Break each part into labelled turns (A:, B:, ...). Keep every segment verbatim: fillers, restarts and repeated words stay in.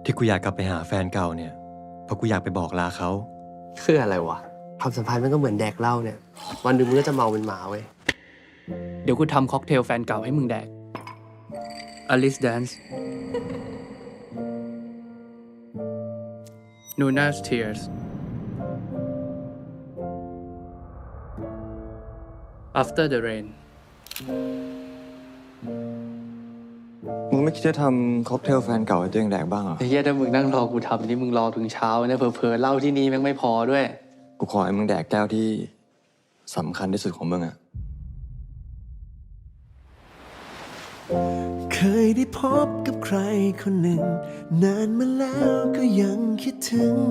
A: ที่กูอยากกลับไปหาแฟนเก่าเนี่ยเพราะกูอยากไปบอกลาเขา
B: คืออะไรวะความสัมพันธ์มันก็เหมือนแดกเหล้าเนี่ยวันหนึ่งมึงก็จะเมาเป็นหมาเว้ย
C: เดี๋ยวกูทำค็อกเทลแฟนเก่าให้มึงแดก Alice Dance Nuna's Tears After the Rain
D: มึงไม่คิดจะทำค็อกเทลแฟนเก่าให้ตัวเองแดกบ้างเหรอ
C: ไอ้เหี้ยถ้ามึงนั่งรอกูทำนี่มึงรอถึงเช้าเนี่ยเผลอๆเหล้าที่นี่แม่งไม่พอด้วย
D: กูขอให้มึงแดกแก้วที่สำคัญที่สุดของมึงอะ
E: เคยได้พบกับใครคนหนึ่ง นานมาแล้วก็ยังคิดถึง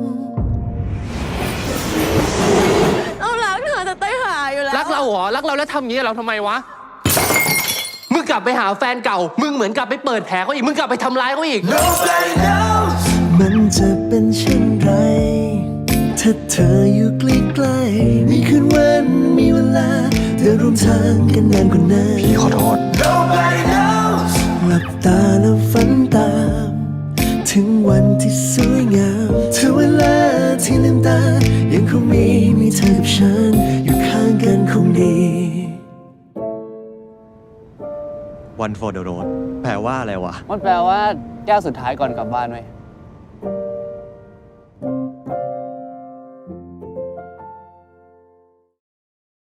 F: เรารักเธอแต่เต้ยหาอยู่แล้ว
B: รักเราเหรอรักเราแล้วทำอย่างนี้กับเราทำไมวะมึงกลับไปหาแฟนเก่ามึงเหมือนกลับไปเปิดแผลเขาอีกมึงกลับไปทำร้ายเขาอีก
E: Nobody knows มันจะเป็นเช่นไร ถ้าเธออยู่ใกล้ๆมีคืนวันมีเวลาเธอร่วมทางกันนานกว่านั้น
D: พี่ขอโทษ
E: Nobody knows หลับตาแล้วฝันตาม ถึงวันที่สวยงามถึงเวลาที่ลืมตายังคงมีมีเธอกับฉันอยู่ข้างกันคงดี
A: One for the road แปลว่าอะไรวะ
C: มันแปลว่าแก้วสุดท้ายก่อนกลับบ้านเว้ย